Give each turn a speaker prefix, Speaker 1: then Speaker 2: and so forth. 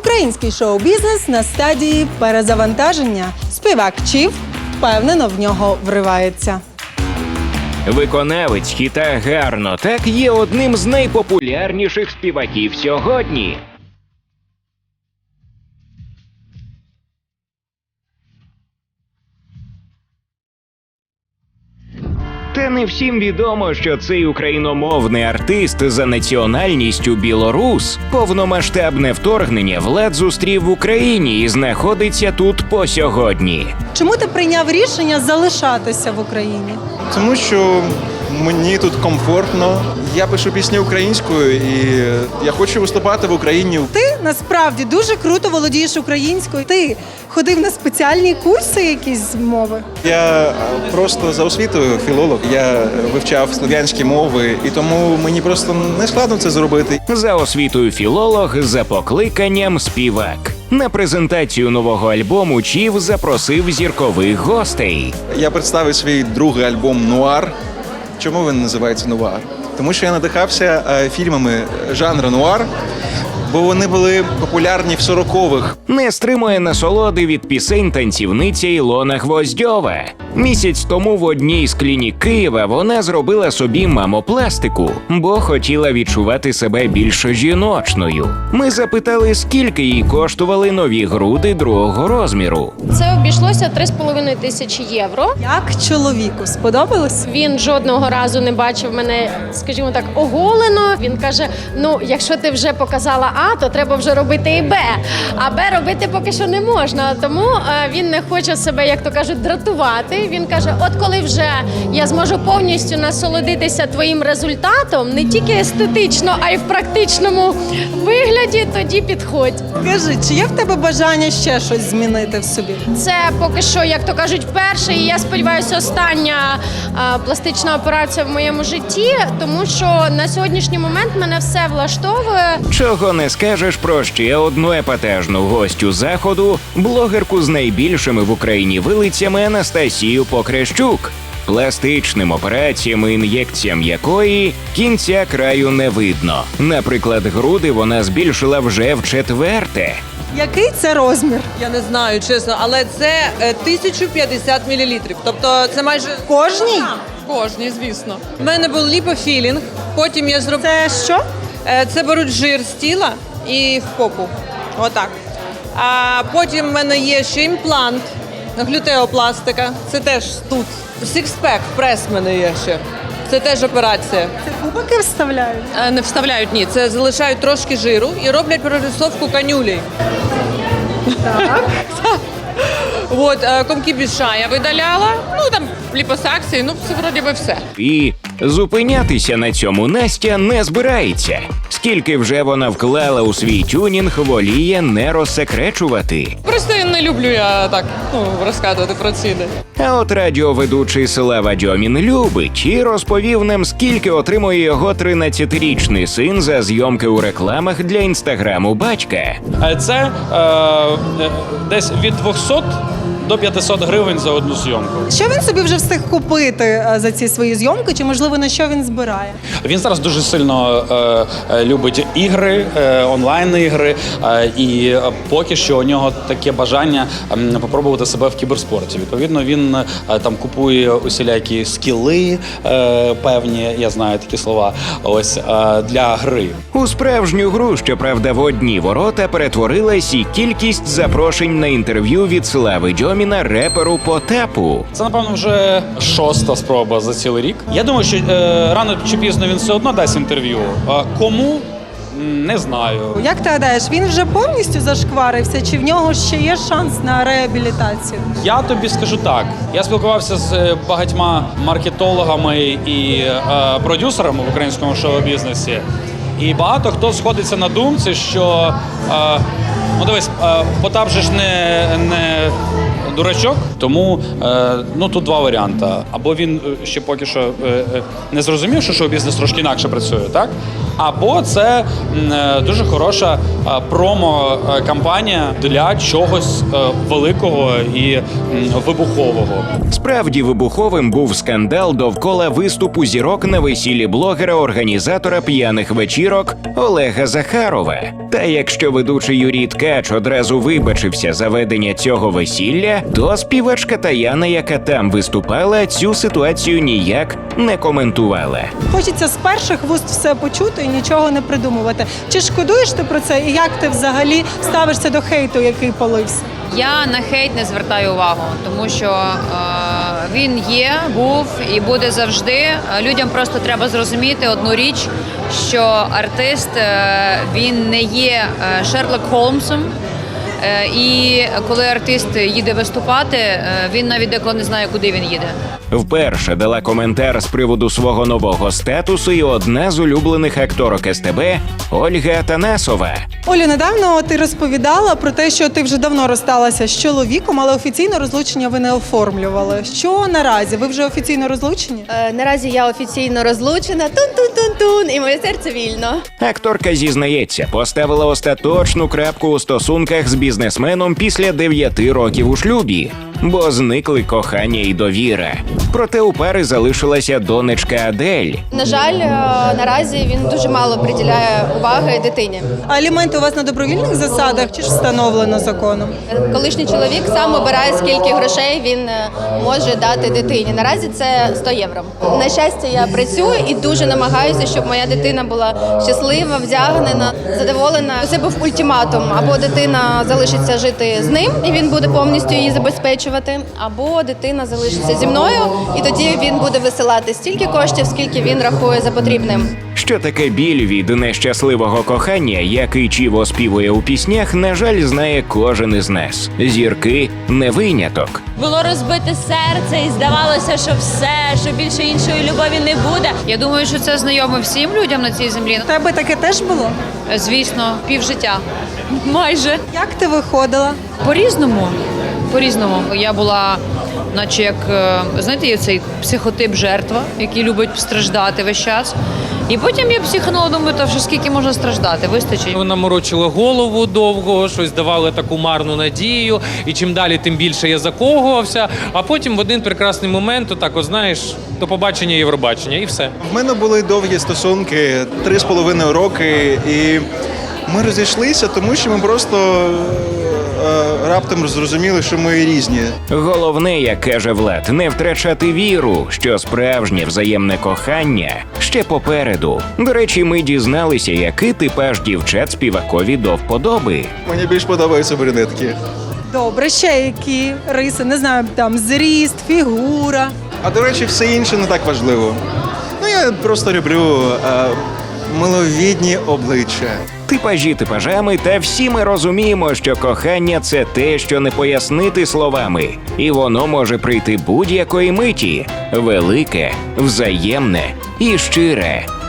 Speaker 1: Український шоу-бізнес на стадії перезавантаження. Співак Чіф впевнено в нього вривається.
Speaker 2: Виконавець хіта «Гарно так» є одним з найпопулярніших співаків сьогодні. Та не всім відомо, що цей україномовний артист за національністю білорус повномасштабне вторгнення влад зустрів в Україні і знаходиться тут по сьогодні.
Speaker 1: Чому ти прийняв рішення залишатися в Україні?
Speaker 3: Тому що мені тут комфортно. Я пишу пісні українською і я хочу виступати в Україні.
Speaker 1: Ти насправді дуже круто володієш українською. Ти ходив на спеціальні курси якісь з мови?
Speaker 3: Я просто за освітою філолог. Я вивчав слов'янські мови, і тому мені просто не складно це зробити.
Speaker 2: За освітою філолог, за покликанням співак. На презентацію нового альбому Чіф запросив зіркових гостей.
Speaker 3: Я представив свій другий альбом «Нуар». Чому він називається «Нуар»? Тому що я надихався фільмами жанру нуар, бо вони були популярні в 40-х.
Speaker 2: Не стримує насолоди від пісень танцівниця Ілона Гвоздьова. Місяць тому в одній з клінік Києва вона зробила собі мамопластику, бо хотіла відчувати себе більш жіночною. Ми запитали, скільки їй коштували нові груди другого розміру.
Speaker 4: Це обійшлося 3,5 тисячі євро.
Speaker 1: Як чоловіку сподобалось?
Speaker 4: Він жодного разу не бачив мене, скажімо так, оголено. Він каже, ну, якщо ти вже показала А, то треба вже робити і Б. А Б робити поки що не можна. Тому він не хоче себе, як то кажуть, дратувати. Він каже, от коли вже я зможу повністю насолодитися твоїм результатом, не тільки естетично, а й в практичному вигляді, тоді підходь.
Speaker 1: Скажи, чи є в тебе бажання ще щось змінити в собі?
Speaker 4: Це поки що, як то кажуть, перша і я сподіваюся, остання пластична операція в моєму житті, тому що на сьогоднішній момент мене все влаштовує.
Speaker 2: Чого не скажеш про ще одну епатажну гостю заходу, блогерку з найбільшими в Україні вилицями Анастасію Покрещук, пластичним операціям і ін'єкціям якої кінця краю не видно. Наприклад, груди вона збільшила вже вчетверте.
Speaker 1: Який це розмір?
Speaker 5: Я не знаю, чесно, але це 1050 мл. Тобто це майже
Speaker 1: Кожній?
Speaker 5: кожній, звісно. У мене був ліпофілінг, потім я зробила...
Speaker 1: Це що?
Speaker 5: Це беруть жир з тіла і в попу. Отак. А потім в мене є ще імплант, глютеопластика. Це теж тут. Сікспек, прес в мене є ще. Це теж операція.
Speaker 1: Це кубики вставляють?
Speaker 5: Не вставляють, ні. Це залишають трошки жиру і роблять прорисовку канюлей.
Speaker 1: Так.
Speaker 5: От, комки біша я видаляла, ну там ліпосакції, ну це вроді би все.
Speaker 2: І зупинятися на цьому Настя не збирається. Скільки вже вона вклала у свій тюнінг, воліє не розсекречувати.
Speaker 5: Просто не люблю я так, розказувати про ціни.
Speaker 2: А от радіоведучий Слава Дьомін любить і розповів нам, скільки отримує його 13-річний син за зйомки у рекламах для інстаграму батька.
Speaker 6: Це десь від 200 до 500 гривень за одну зйомку.
Speaker 1: Що він собі вже встиг купити за ці свої зйомки, чи, можливо, на що він збирає?
Speaker 6: Він зараз дуже сильно любить ігри, онлайн-ігри, і поки що у нього таке бажання попробувати себе в кіберспорті. Відповідно, він там купує усілякі скіли певні, я знаю такі слова, ось для гри.
Speaker 2: У справжню гру, щоправда, в одні ворота перетворилась і кількість запрошень на інтерв'ю від Слави Дьоміна реперу Потапу.
Speaker 6: Це, напевно, вже 6-та спроба за цілий рік. Я думаю, що рано чи пізно він все одно дасть інтерв'ю. А кому? Не знаю.
Speaker 1: Як ти гадаєш, він вже повністю зашкварився, чи в нього ще є шанс на реабілітацію?
Speaker 6: Я тобі скажу так. Я спілкувався з багатьма маркетологами і продюсерами в українському шоу-бізнесі. І багато хто сходиться на думці, що ну дивись, Потап же ж не дурачок, тому тут два варіанти. Або він ще поки що не зрозумів, що шоу-бізнес трошки інакше працює, так? або це дуже хороша промо-кампанія для чогось великого і вибухового.
Speaker 2: Справді вибуховим був скандал довкола виступу зірок на весіллі блогера-організатора п'яних вечірок Олега Захарова. Та якщо ведучий Юрій Ткач одразу вибачився за ведення цього весілля, то співачка Таяна, яка там виступала, цю ситуацію ніяк не коментувала.
Speaker 1: Хочеться з перших вуст все почути і нічого не придумувати. Чи шкодуєш ти про це? І як ти взагалі ставишся до хейту, який полився?
Speaker 7: Я на хейт не звертаю увагу, тому що він є, був і буде завжди. Людям просто треба зрозуміти одну річ, що артист він не є Шерлок Холмсом. І коли артист їде виступати, він навіть деколи не знає, куди він їде.
Speaker 2: Вперше дала коментар з приводу свого нового статусу і одна з улюблених акторок СТБ Ольга Атанасова.
Speaker 1: Олю, недавно ти розповідала про те, що ти вже давно розсталася з чоловіком, але офіційно розлучення ви не оформлювали. Що наразі? Ви вже офіційно розлучені?
Speaker 8: Наразі я офіційно розлучена. Тун-тун-тун-тун, і моє серце вільно.
Speaker 2: Акторка зізнається, поставила остаточну крапку у стосунках з бізнесменом після 9 років у шлюбі, бо зникли кохання і довіра. Проте у пари залишилася донечка Адель.
Speaker 8: На жаль, наразі він дуже мало приділяє уваги дитині.
Speaker 1: А аліменти у вас на добровільних засадах чи ж встановлено законом?
Speaker 8: Колишній чоловік сам обирає, скільки грошей він може дати дитині. Наразі це 100 євро. На щастя, я працюю і дуже намагаюся, щоб моя дитина була щаслива, вдягнена, задоволена. Це був ультиматум. Або дитина залишиться жити з ним, і він буде повністю її забезпечувати, або дитина залишиться зі мною, і тоді він буде висилати стільки коштів, скільки він рахує за потрібним.
Speaker 2: Що таке біль від нещасливого кохання, який Чів оспівує у піснях, на жаль, знає кожен із нас. Зірки не виняток.
Speaker 9: Було розбите серце і здавалося, що все, що більше іншої любові не буде.
Speaker 7: Я думаю, що це знайомо всім людям на цій землі.
Speaker 1: У тебе таке теж було?
Speaker 7: Звісно, півжиття.
Speaker 9: Майже.
Speaker 1: Як ти виходила?
Speaker 7: По-різному. По-різному. Я була, наче як, знаєте, є цей психотип жертва, який любить страждати весь час. І потім я психанула, думаю, та вже скільки можна страждати, вистачить.
Speaker 10: Вона морочила голову довго, щось давала таку марну надію, і чим далі, тим більше я закохувався, а потім в один прекрасний момент, отак, от, знаєш, до побачення Євробачення, і все.
Speaker 3: В мене були довгі стосунки, 3,5 роки, і ми розійшлися, тому що ми просто раптом зрозуміли, що ми різні.
Speaker 2: Головне, як каже Влад, не втрачати віру, що справжнє взаємне кохання ще попереду. До речі, ми дізналися, який типаж дівчат співакові до вподоби.
Speaker 3: Мені більш подобаються брюнетки.
Speaker 1: Добре, ще які риси, не знаю, там зріст, фігура.
Speaker 3: А до речі, все інше не так важливо. Ну, я просто люблю миловідні обличчя.
Speaker 2: Типажі типажами, та всі ми розуміємо, що кохання – це те, що не пояснити словами. І воно може прийти будь-якої миті. Велике, взаємне і щире.